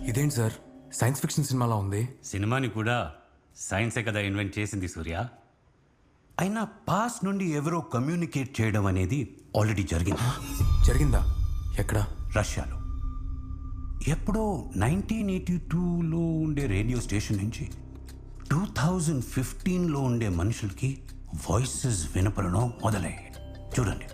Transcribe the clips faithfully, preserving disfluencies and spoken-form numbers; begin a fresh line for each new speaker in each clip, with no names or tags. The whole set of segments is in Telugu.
ఇదేంటి సార్ సైన్స్ ఫిక్షన్ సినిమాలా ఉంది?
సినిమాని కూడా సైన్సే కదా ఇన్వెంట్ చేసింది సూర్య. అయినా పాస్ నుండి ఎవరో కమ్యూనికేట్ చేయడం అనేది ఆల్రెడీ జరిగింది.
జరిగిందా? ఎక్కడ?
రష్యాలో. ఎప్పుడో నైన్టీన్ ఎయిటీ టూలో ఉండే రేడియో స్టేషన్ నుంచి టూ థౌజండ్ ఫిఫ్టీన్లో ఉండే మనుషులకి వాయిసెస్ వినపడడం మొదలయ్యాయి. చూడండి.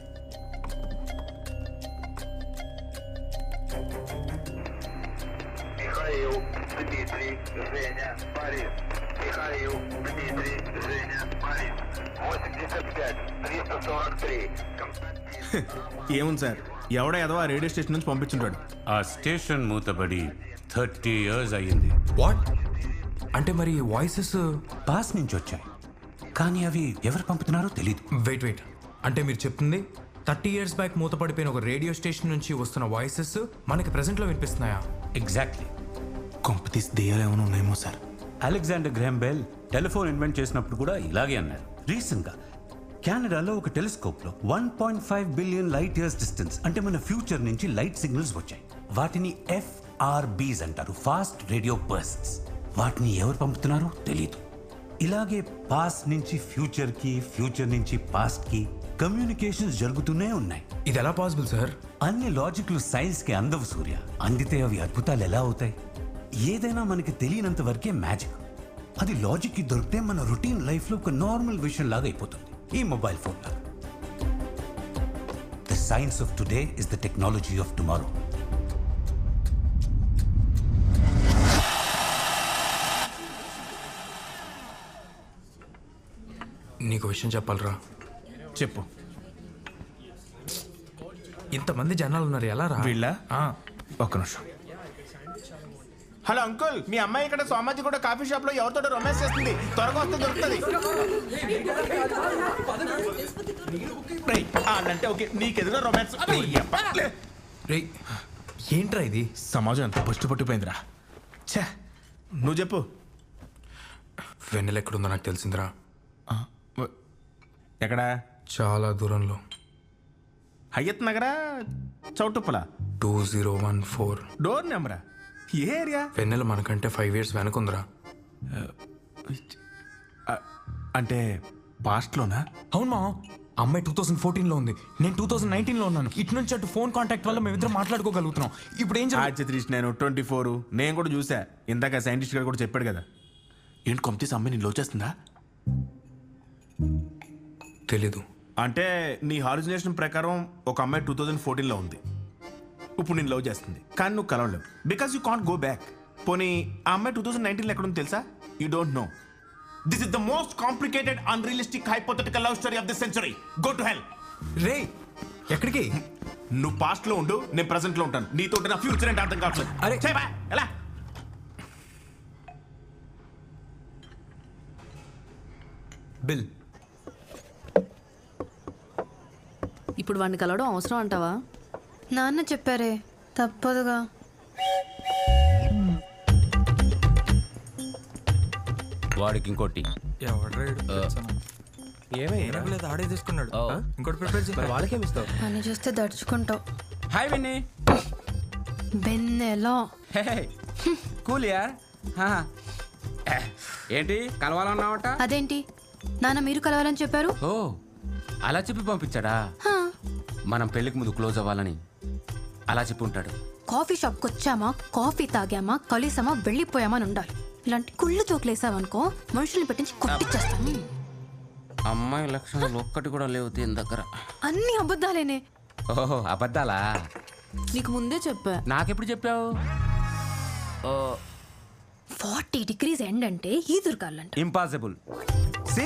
ఏముంది సార్, ఎవడో ఏదో ఆ రేడియో స్టేషన్ నుంచి పంపించుంటాడు.
ఆ స్టేషన్ మూతబడి థర్టీ ఇయర్స్ అయ్యింది.
వాట్? అంటే మరి వాయిసెస్
పాస్ నుంచి వచ్చాయి, కానీ అవి ఎవరు పంపుతున్నారో తెలీదు.
వెయిట్ వెయిట్ అంటే మీరు చెప్తుంది థర్టీ ఇయర్స్ బ్యాక్ మూతపడిపోయిన ఒక రేడియో స్టేషన్ నుంచి వస్తున్న వాయిసెస్ మనకి ప్రెసెంట్లో వినిపిస్తున్నాయా?
ఎగ్జాక్ట్లీ.
కొంపతీసి దెయ్యాలు ఏమైనా ఉన్నాయేమో sir.
Alexander Graham Bell telephone invent చేసినప్పుడు కూడా ఇలాగే అన్నారు. రీసెంట్గా కెనడాలో ఒక టెలిస్కోప్లో one point five billion light years distance అంటే మన ఫ్యూచర్ నుంచి లైట్ సిగ్నల్స్ వచ్చాయి. వాటిని ఎఫ్ఆర్బీస్ అంటారు, ఫాస్ట్ రేడియో బర్స్ట్స్. వాటిని ఎవరు పంపుతున్నారో తెలియదు. ఇలాగే పాస్ట్ నుంచి ఫ్యూచర్కి, ఫ్యూచర్ నుంచి పాస్ట్కి కమ్యూనికేషన్స్ జరుగుతూనే ఉన్నాయి.
ఇది ఎలా పాసిబుల్ సార్?
అన్ని లాజిక్లు సైన్స్కి అందవు సూర్య. అందితే అవి అద్భుతాలు ఎలా అవుతాయి? ఏదైనా మనకి తెలియనంత వరకే మ్యాజిక్. అది లాజిక్కి దొరికితే మన రొటీన్ లైఫ్లో ఒక నార్మల్ విషయం లాగా అయిపోతుంది, ఈ మొబైల్ ఫోన్ లాగా. The science of today is the technology of tomorrow.
నీకు విషయం చెప్పాలరా.
చెప్పు.
ఇంతమంది జనాలు ఉన్నారు, ఎలా రా?
వీళ్ళ ఒక్క నిమిషం. హలో అంకుల్, మీ అమ్మాయి ఇక్కడ సోమాజీ కూడా కాఫీ షాప్ లో ఎవరితో రొమాన్స్ చేస్తుంది, త్వరగా వస్తే దొరుకుతుంది. అంటే ఓకే, నీకెదురు రొమాన్స్.
రే ఏంట్రా ఇది?
సమాజం ఎంత పట్టు పట్టిపోయిందిరా. ఛే, నువ్వు చెప్పు.
వెన్నెల ఎక్కడుందో నాకు తెలిసిందిరా.
ఎక్కడా?
చాలా దూరంలో.
హయ్యత్ నగరా, చౌటుప్పల?
Two zero one four.
Door నెంబరా? ఏ ఏరియా?
వెన్నెల మనకంటే ఫైవ్ ఇయర్స్ వెనకుందిరా.
అంటే పాస్ట్లోనా?
అవును మా అమ్మాయి టూ థౌసండ్ ఫోర్టీన్లో ఉంది, నేను టూ థౌసండ్ నైన్టీన్లో ఉన్నాను. ఇటు నుంచి అటు ఫోన్ కాంటాక్ట్ వల్ల మేమిద్దరం మాట్లాడుకోగలుగుతున్నాం. ఇప్పుడు ఏం
చేయాలి? నేను ట్వంటీ ఫోర్ నేను కూడా చూసా. ఇందాక సైంటిస్ట్ గారు కూడా చెప్పాడు కదా. ఏంటి కొంపతీసి అమ్మాయి నేను లోచేస్తుందా?
తెలీదు.
అంటే నీ హాలుజినేషన్ ప్రకారం ఒక అమ్మాయి టూ థౌజండ్ ఫోర్టీన్లో ఉంది, ఇప్పుడు నేను లవ్ చేస్తుంది, కానీ నువ్వు కలవలేవు because you can't go back. పోనీ ఆ అమ్మాయి టూ థౌజండ్ నైన్టీన్లో ఎక్కడ ఉంది తెలుసా? You don't know. This is the most complicated unrealistic hypothetical love story of the century. Go to hell.
రే ఎక్కడికి?
నువ్వు పాస్ట్ లో ఉండు, నేను ప్రెసెంట్ లో ఉంటాను. నీతో నా ఫ్యూచర్ అంటే అర్థం కావట్లేదు.
అరే
ఎలా?
బిల్,
ఇప్పుడు వాడిని కలవడం అవసరం అంటావా?
నాన్న చెప్పారే, తప్పదుగా.
వాడికి ఇంకోటి
ఆడే తీసుకున్నాడు, ఇంకోటి ప్రిపేర్ చేసి
వాళ్ళకేమి ఇస్తావు?
అని చూస్తే దడుచుకుంటావు.
Hi Winnie.
బెన్నెలో
కూల్ యార్. ఏంటి కలవాలన్నావట?
అదేంటి నాన్న మీరు కలవాలని చెప్పారు?
ఓ అలా చెప్పి పంపించాడా? మనం పెళ్లికి ముందు క్లోజ్ అవ్వాలని అలా చెప్పి ఉంటాడు.
కాఫీ షాప్కి వచ్చామా, కాఫీ తాగామా, కలిసామా, వెళ్ళిపోయామా అని ఉండాలి. ఇలాంటి కుళ్ళు చోట్లేసావనుకో మనుషుల్ని పెట్టించి కొట్టిచ్చేస్తాను.
అమ్మాయి లక్షణాలు ఒక్కటి కూడా లేవు దీని దగ్గర.
అన్ని అబద్ధాలేనే.
ఓహో అబద్ధాలా?
నీకు ముందే చెప్పా.
నాకెప్పుడు చెప్పావు?
ఫార్టీ డిగ్రీస్ ఎండ్ అంటే ఈదురుగాలంట.
ఇంపాసిబుల్. సి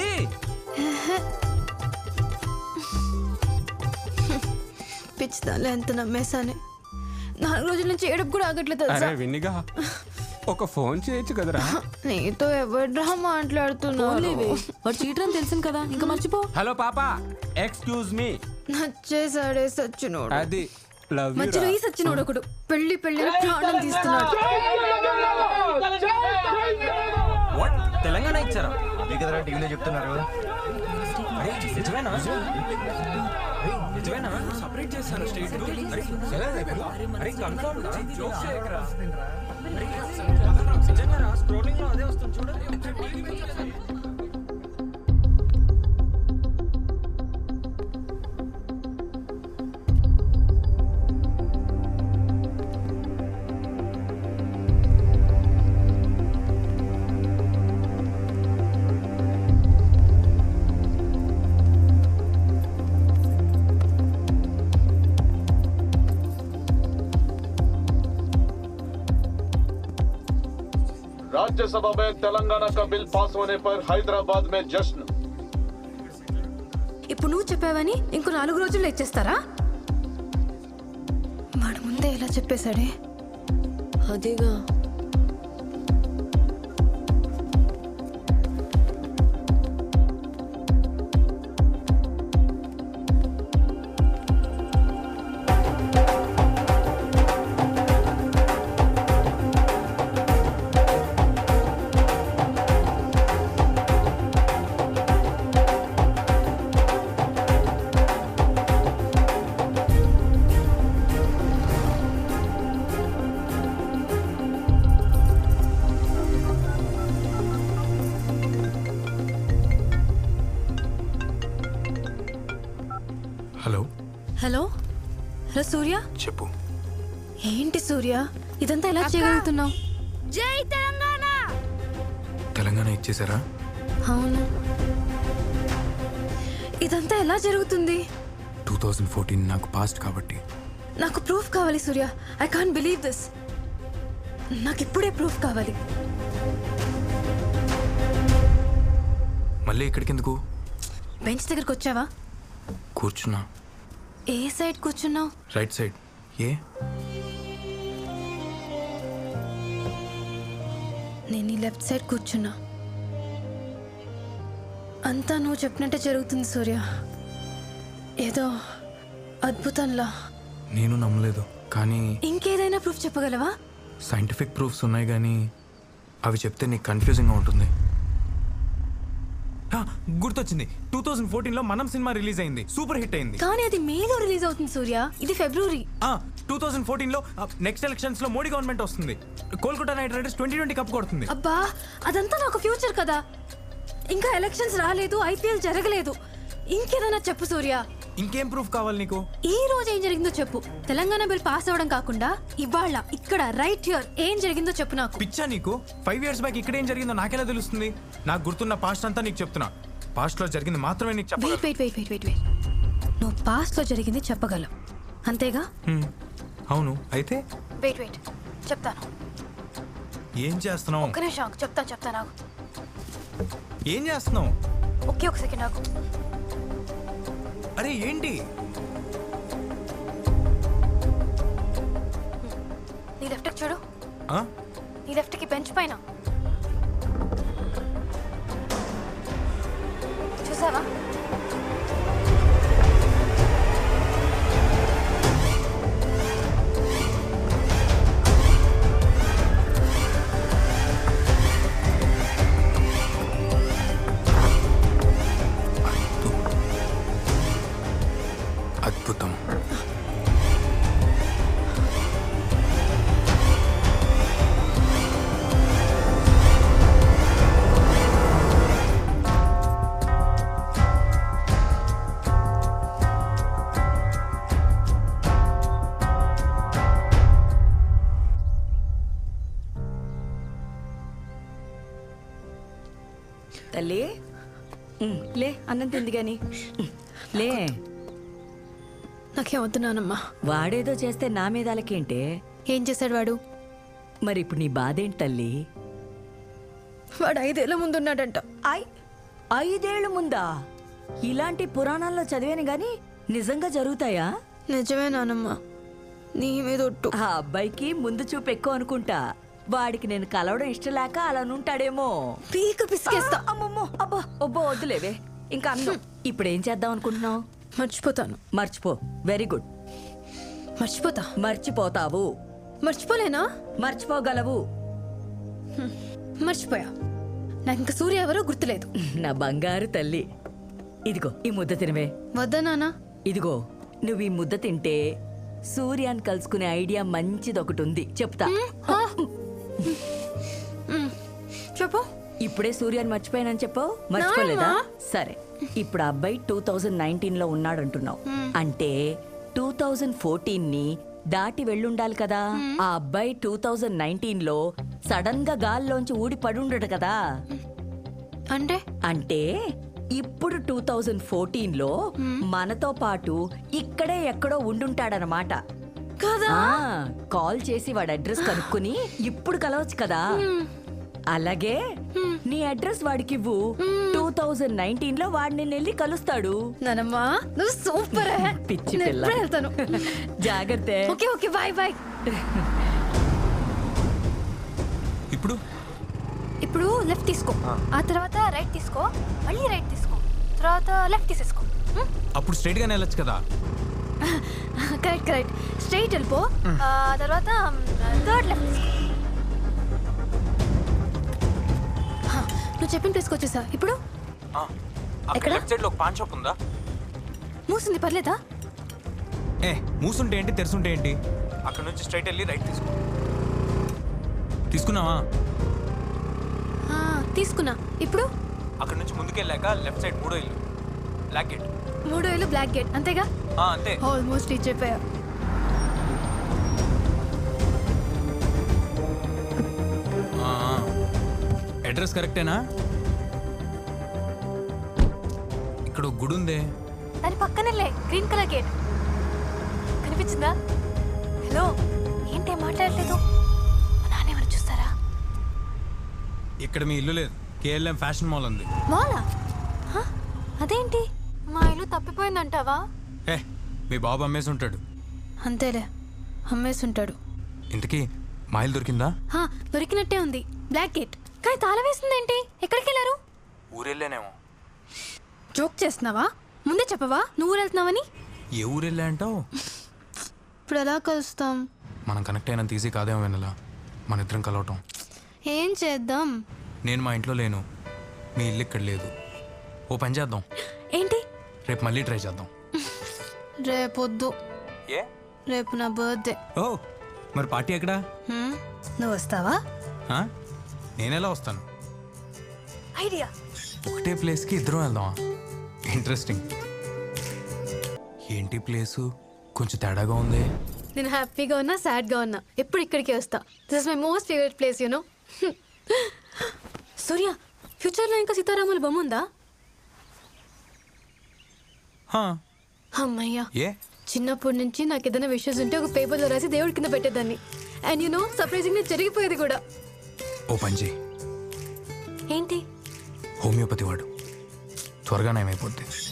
పిచ్చిదాలే ఎంత నమ్మేశానే. నాలుగు రోజుల నుంచి ఏడుపు కూడా ఆగట్లేదు.
అరే విన్నిగా ఒక ఫోన్ చేయొచ్చు కదరా.
నీతో ఎవడ్రా మాట్లాడుతున్నావు?
వాడు చీటర్ అని తెలిసింది కదా, ఇంకా మర్చిపో.
హలో పాపా, ఎక్స్క్యూజ్ మీ.
నచ్చేసాడే సచ్చినోడు.
అది లవ్ యు.
మధ్యలో ఈ సచ్చినోడు ఒకడు పెళ్లి పెళ్లి ప్రాణం తీస్తున్నాడు.
తెలంగాణ ఇచ్చారా? కదరా టీవీలో చెప్తున్నారు. నిజమేనా? నిజమేనా? సపరేట్ చేశారు స్టేట్.
राज्यसभा में तेलंगाना का बिल पास होने पर हैदराबाद में जश्न।
ఇప్పుడు నువ్వు చెప్పావని ఇంకో నాలుగు రోజుల్లో ఇచ్చేస్తారా? వాడు ముందే ఎలా చెప్పేశాడే.
అదేగా.
Hello
hello hello Surya.
చెప్పు.
ఏంటి సూర్య ఇదంతా ఎలా చేయగలుగుతున్నావు?
జై తెలంగాణ.
తెలంగాణ ఇచ్చేసారా?
అవును. ఇదంతా ఎలా జరుగుతుంది?
టూ థౌజండ్ ఫోర్టీన్ నాకు పాస్ట్ కాబట్టి.
నాకు ప్రూఫ్ కావాలి Surya. I can't believe this. నాకు ఇప్పుడే ప్రూఫ్ కావాలి.
మళ్ళీ ఇక్కడికి ఎందుకు?
బెంచ్ దగ్గరకు వచ్చావా?
కూర్చున్నా.
ఏ సైడ్ కూర్చున్నావు?
Right side. ఏ?
నేను ఈ లెఫ్ట్ సైడ్ కూర్చున్నా. అంతా నువ్వు చెప్పినట్టే జరుగుతుంది సూర్య. ఏదో అద్భుతంలా.
నేను నమ్మలేదు, కానీ
ఇంకేదైనా ప్రూఫ్ చెప్పగలవా?
సైంటిఫిక్ ప్రూఫ్స్ ఉన్నాయి, కానీ అవి చెప్తే నీకు కన్ఫ్యూజింగ్గా ఉంటుంది. ఆ, గుర్తొచ్చింది. టూ థౌజండ్ ఫోర్టీన్ లో మనం సినిమా రిలీజ్ అయింది, సూపర్ హిట్ అయింది.
కానీ అది మేలో రిలీజ్ అవుతుంది సూర్య. ఇది ఫిబ్రవరి.
టూ థౌజండ్ ఫోర్టీన్ లో నెక్స్ట్ ఎలక్షన్స్ లో మోడీ గవర్నమెంట్ వస్తుంది. Kolkata Knight Riders twenty twenty cup కొడుతుంది.
అబ్బా అదంతా నాకు ఫ్యూచర్ కదా. ఇంకా ఎలక్షన్స్ రాలేదు, ఐపీఎల్ జరగలేదు. ఇంకేదైనా చెప్పు సూర్య.
ఇంకేం ప్రూఫ్ కావాలి నీకు?
ఈ రోజు ఏం జరిగిందో చెప్పు. తెలంగాణ బిల్ పాస్ అవ్వడం కాకుండా ఇవాళ ఇక్కడ రైట్ హియర్ ఏం జరిగిందో చెప్పు నాకు.
పిచ్చా నీకు? ఫైవ్ ఇయర్స్ బ్యాక్ ఇక్కడ ఏం జరిగిందో నాకెలా తెలుస్తుంది? నాకు గుర్తున్న పాస్ట్ అంతా నీకు చెప్తున్నా. పాస్ట్ లో జరిగింది మాత్రమే నీకు చెప్పగలను.
Wait wait wait wait wait నువ్వు పాస్ట్ లో జరిగింది చెప్పగలవు అంతేగా?
హ్మ్. అవును. అయితే
వెయిట్ వెయిట్ చెప్తాను.
ఏం చేస్తున్నావు?
ఒక్క నిమిషం చెప్తాను చెప్తాను నాకు.
ఏం చేస్తున్నావు?
ఒకే ఒక సెకండ్ నాకు.
అరే ఏంటి?
నీ లెఫ్ట్ చూడు.
ఆ?
నీ లెఫ్ట్ కి బెంచ్ పైన చూసావా?
అద్భుతం.
తల్లి ఉమ్, లే అన్నం తింది గాని ఉమ్, లే.
నాకేం వద్దు నానమ్మా.
వాడేదో చేస్తే నా మీద అలకేంటే?
ఏం చేశాడు వాడు?
మరి ఇప్పుడు నీ బాధ ఏంటి తల్లి?
వాడు ఐదేళ్ల ముందున్నాడంట.
ఐ ఐదేళ్ల ముందా? ఇలాంటి పురాణాల్లో చదివాను గాని నిజంగా జరుగుతాయా?
నిజమే నానమ్మా, నీ మీద ఒట్టు.
ఆ అబ్బాయికి ముందు చూపు ఎక్కువ అనుకుంటా. వాడికి నేను కలవడం ఇష్టం లేక అలా ఉంటాడేమో.
పీక పిసికేస్తా.
అమ్మమ్మో అబ్బా ఒబ్బో వద్దులేవే. ఇంకా అన్నం ఇప్పుడు ఏం చేద్దాం అనుకుంటున్నావు?
మర్చిపోతాను.
మర్చిపో. Very good.
మర్చిపోతా.
మర్చిపోతావు.
మర్చిపోలేనా?
మర్చిపోగలవు.
మర్చిపోయా. నాకు ఇంకా సూర్య ఎవరో గుర్తులేదు.
నా బంగారు తల్లి, ఇదిగో ఈ ముద్ద తినవే.
వద్దా నాన్న?
ఇదిగో నువ్వు ఈ ముద్ద తింటే సూర్యాన్ని కలుసుకునే ఐడియా మంచిది ఒకటి ఉంది, చెప్తా.
చెప్పు.
ఇప్పుడే సూర్యాన్ని మర్చిపోయానని చెప్పావు, మర్చిపోలేదా? సరే, ఇప్పుడు ఆ అబ్బాయి టూ థౌజండ్ నైన్టీన్ లో ఉన్నాడంటున్నావు. అంటే టూ థౌజండ్ ఫోర్టీన్ ని దాటి వెళ్ళుండాలి కదా. ఆ అబ్బాయి టూ థౌజండ్ నైన్టీన్ లో సడన్ గా గాల్లోంచి ఊడి పడుండడు కదా.
అంటే
అంటే ఇప్పుడు టూ థౌజండ్ ఫోర్టీన్ లో మనతో పాటు ఇక్కడే ఎక్కడో ఉండుంటాడనమాట.
కదా.
కాల్ చేసి వాడి అడ్రస్ కనుక్కుని ఇప్పుడు కలవచ్చు కదా. అలాగే నీ అడ్రస్ వాడికి ఇవ్వు టూ థౌజండ్ నైన్టీన్ లో వాడు నిన్ను వెళ్ళి కలుస్తాడు.
నానమ్మా నువ్వు సూపర్
పిచ్చి పిల్ల.
వెళ్తాను.
జాగ్రత్త.
Okay okay bye bye.
ఇప్పుడు
ఇప్పుడు లెఫ్ట్ తీసుకో, ఆ తర్వాత రైట్ తీసుకో, మళ్ళీ రైట్ తీసుకో, తర్వాత లెఫ్ట్ తీసేసుకో.
అప్పుడు స్ట్రైట్ గానే వెళ్ళొచ్చు కదా.
కరెక్ట్ కరెక్ట్ స్ట్రైట్ వెళ్ళిపో, ఆ తర్వాత థర్డ్ లెఫ్ట్ తీసుకో. హా, నువ్వు చెప్పిన ప్లేస్కి వచ్చేసా. ఇప్పుడు
అక్కడ లెఫ్ట్ సైడ్ లో ఒక పాన్ షాప్ ఉందా?
మూసింది, పర్లేదా?
ఏ మూసుంటే ఏంటి తెరుసుంటే ఏంటి? అక్కడ నుంచి స్ట్రైట్ వెళ్ళి రైట్ తీసుకో. తీసుకున్నావా?
ఆ, తీసుకున్నా. ఇప్పుడు
అక్కడ నుంచి ముందుకెళ్ళాక లెఫ్ట్ సైడ్ మూడో ఇల్లు, బ్లాక్ గేట్.
మూడో ఇల్లు బ్లాక్ గేట్, అంతేగా?
ఆ, అంతే.
ఆల్మోస్ట్ రీచ్ అయిపోయా.
అడ్రస్ కరెక్టేనా? ఇక్కడ ఒక గుడి ఉందే.
దాని పక్కనే గ్రీన్ కలర్ గేట్ కనిపించిందా? హలో, ఏంటి మాట్లాడలేదు? మా నాన్న ఏమైనా చూస్తారా?
ఇక్కడ మీ ఇల్లు లేదు, కేఎల్ఎం ఫ్యాషన్ మాల్ ఉంది.
మాలా? హ? అదేంటి మా ఇల్లు తప్పిపోయిందంటావా?
ఏ మీ బాబు అమ్మేసి ఉంటాడు.
అంతేలే, అమ్మేసి ఉంటాడు.
ఇంతకీ మా ఇల్లు దొరికిందా?
హా, దొరికినట్టే ఉంది, బ్లాక్ గేట్. కానీ తాళం వేసిందేంటి? ఎక్కడికి వెళ్ళారు?
ఊరెళ్ళానేమో.
జోక్ చేస్తున్నావా? ముందే చెప్పవా నువ్వు వెళ్తున్నావని?
ఏ ఊరెళ్ళా అంటావు?
ఇప్పుడు ఎలా కలుస్తాం?
మనం కనెక్ట్ అయినంత ఈజీ కాదేమో వెనలా మన ఇద్దరం కలవటం.
ఏం చేద్దాం?
నేను మా ఇంట్లో లేను, మీ ఇల్లు ఇక్కడ లేదు. ఓ పని చేద్దాం,
ఏంటి?
రేపు మళ్ళీ ట్రై చేద్దాం.
రేపొద్దు,
ఏ?
రేపు నా బర్త్డే.
ఓ మరి పార్టీ ఎక్కడా?
హ్మ్, నువ్వు వస్తావా?
ఆ? నేనెలా వస్తాను?
ఐడియా.
ఒకటే ప్లేస్కి ఇద్దరం వెళ్దామా? ఇంట్రెస్టింగ్. ఏంటి ప్లేసు కొంచెం తేడాగా ఉంది.
నేను హ్యాపీగా ఉన్నా సాడ్గా ఉన్నా ఎప్పుడు ఇక్కడికే వస్తా. This is my most favourite place you know. Surya, ఫ్యూచర్లో ఇంకా సీతారాముల బొమ్మ ఉందా?
హా.
అమ్మయ్యా,
ఏ
చిన్నప్పటి నుంచి నాకు ఏదైనా విషయస్ ఉంటే ఒక పేపర్లో రాసి దేవుడి కింద పెట్టేదాన్ని. అండ్ యూనో సర్ప్రైజింగ్ జరిగిపోయేది కూడా.
ఓ పని చేయి,
ఏంటి?
హోమియోపతి వాడు, త్వరగా నయమైపోద్ది.